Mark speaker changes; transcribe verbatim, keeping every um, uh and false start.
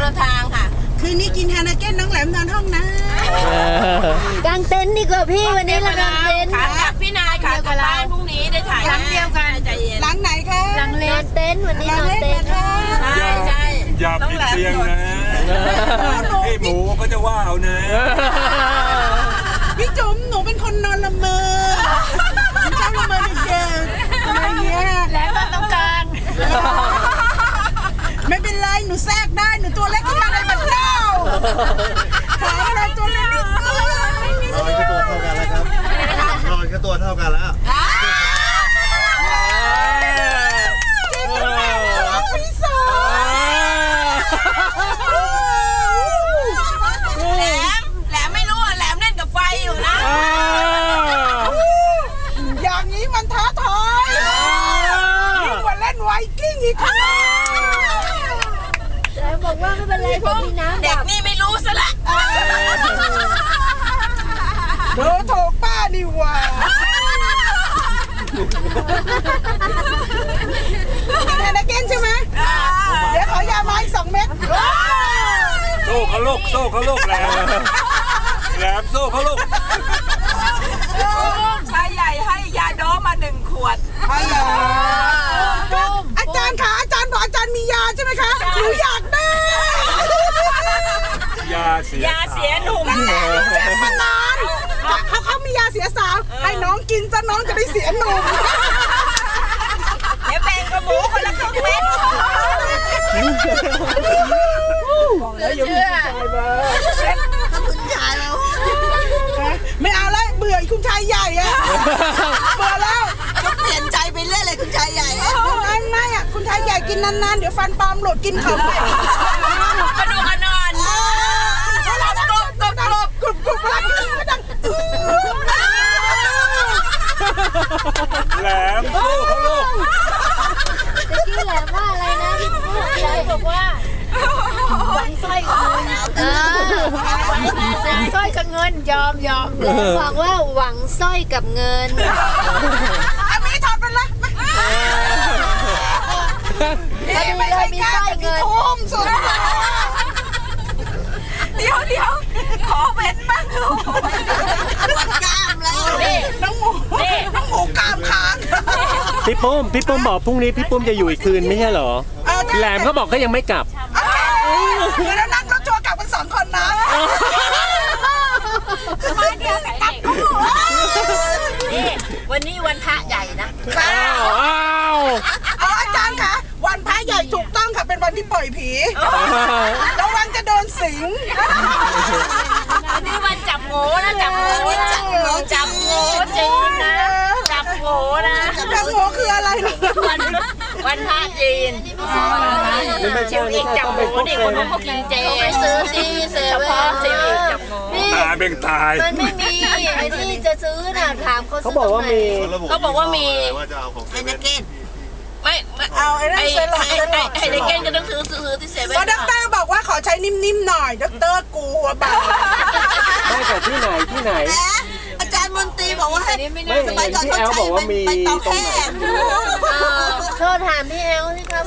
Speaker 1: ละทางค่ะ
Speaker 2: คืนนี้กินฮานาเก้นน้องแหลมนอนห้องนะ
Speaker 3: กางเต็นท์ดีกว่าพี่วันนี้เรากางเต็นท์
Speaker 1: ขากลับพี่นายขากลับบ้านพรุ่งนี้ได้ถ่ายหลังเดียวกันใจเย็น
Speaker 2: หลังไหนคะ
Speaker 3: หลังเล็กเต็นท์วันนี้นอนเต็นท์
Speaker 1: ใช่ใช่
Speaker 4: อย่าปิดเตียงนะพี่หมูก็จะว่าเอานะ
Speaker 2: พี่จุ๋มหนูเป็นคนนอนละเมอชอบละเมอเด็กๆอะไรเงี้ย
Speaker 1: แล้วก็ต้องการ
Speaker 2: ไม่เป็นไรหนูแทรกได้หนูตัวเล็กขึ้นมาในบันเล่าขาเราตัวเล็กนิดนึง
Speaker 5: นอนก็ตัวเท่ากันแล้วครับนอนก็ตัวเท่ากันแล้ว
Speaker 1: แหลมแหลมไม่รู้อ่ะแหลมเล่นกับไฟอยู่นะ
Speaker 2: อย่างนี้มันท้าทายยิ่งกว่าเล่นไวกิ้งอีกค่ะ
Speaker 3: แต่บอกว่าไม่เป็นไรผมมีน้ำ
Speaker 1: เด็กนี่ไม่รู้ซะละ
Speaker 2: โดนถูกป้านี่หว่ากินฮานาเก้นใช่ไหมเดี๋ยวขอยามาอีกสองเม็ด
Speaker 4: โซ่เขาลูกโซ่เขาลูกแหลมแหลมโซ่เขาลูก
Speaker 1: ชายใหญ่ให้ยาโดมาหนึ่งขวด
Speaker 2: อาจารย์คะอาจารย์บอกอาจารย์มียาใช่ไหมคะหนูอยากได้
Speaker 4: ยาเสีย
Speaker 1: ยาเสียหนุ่ม
Speaker 2: มานานเขาเขามียาเสียสาวให้น้องกินซะน้องจะได้เสียหนุ่ม
Speaker 1: เดี๋ยวแบ่งกับหมูคนละครึ่งเม็ด
Speaker 2: แล้วยังมีชายมาคุณชายแล้วไม่เอาแล้วเบื่อคุณชายใหญ่อะเบื่อแล้ว
Speaker 1: ก็เปลี่ยนใจไปเรื่อยเลยคุณชายใหญ่
Speaker 2: ไม่ไม่อะคุณชายใหญ่กินนานๆเดี๋ยวฟันปลอมหลุดกินเขาไป
Speaker 1: กระดูกกระนอน
Speaker 2: เวลากรุบกรุบกรุบกรุบกรุบเวลากินก็ดัง
Speaker 4: แหลมโซ่เขาลูก
Speaker 3: ตะกี้แหลมว่าอะไรนะพี่พูดอะไรบอกว่าหวังสร้อยกับเงินเออหวังสร้อยกับเงินยอมยอมแหลมบอกว่าหวังสร้อยกับเงิน
Speaker 2: อันนี้ถอดไปละ
Speaker 3: ไม่ใช่มีสร้อยเงิน
Speaker 2: ทุ่มสุด
Speaker 1: เดี๋ยวเดี๋ยวขอเป็นบ้างลูกกล้ามแล้ว
Speaker 2: น้องหมูน้องหมูกล้ามค้าง
Speaker 6: พี่ปุ้มพี่ปุ้มบอกพรุ่งนี้พี่ปุ้มจะอยู่อีกคืนไม่ใช่เหรอแหลมเขาบอกเขายังไม่กลับ
Speaker 2: แล้วนั่งรถทัวร์กลับกันสองคนนะ
Speaker 1: มาเดียวกับนี่วันนี้วันพระใหญ่นะ
Speaker 6: อ้าวอ้าว
Speaker 2: เอาอาจารย์คะวันพระใหญ่ถูกต้องค่ะเป็นวันที่ปล่อยผีแล้ววันจะโดนสิง
Speaker 1: วันนี้วันจับโง่นะจับโง่จับโง่จับโง่จริงนะจับโง่นะ
Speaker 2: จับโง่คืออะไรล่ะ
Speaker 1: วันวันพระจีนชิวอีกจับโง่ดิคนเขากินเจ
Speaker 3: ไปซื้อที่เซเว่น
Speaker 1: ชิวอีกจับโง่
Speaker 4: ตายเป็นตาย
Speaker 3: มันไม่มีไอ้ที่จะซื้อน่ะถามเขา
Speaker 6: เขาบอกว่ามี
Speaker 1: เขาบอกว่ามี
Speaker 5: ไฮเนเก้น
Speaker 1: ไม่เอาไอ้ไอ้ไอ้เด็กเก้นก็ต้องซื้อซื้อที่เซเว่น
Speaker 2: เพราะด็อกเตอร์บอกว่าขอใช้นิ่มๆหน่อยด็อกเตอร์กลัวบ้า
Speaker 6: ไม่แต่ที่ไหนที่ไหน
Speaker 1: อาจารย์มนตรีบอกว่าให้
Speaker 6: ไม่เห็นที่แอลบอกว่ามีตรงไหน
Speaker 3: โทษถามพี่แอลสิครับ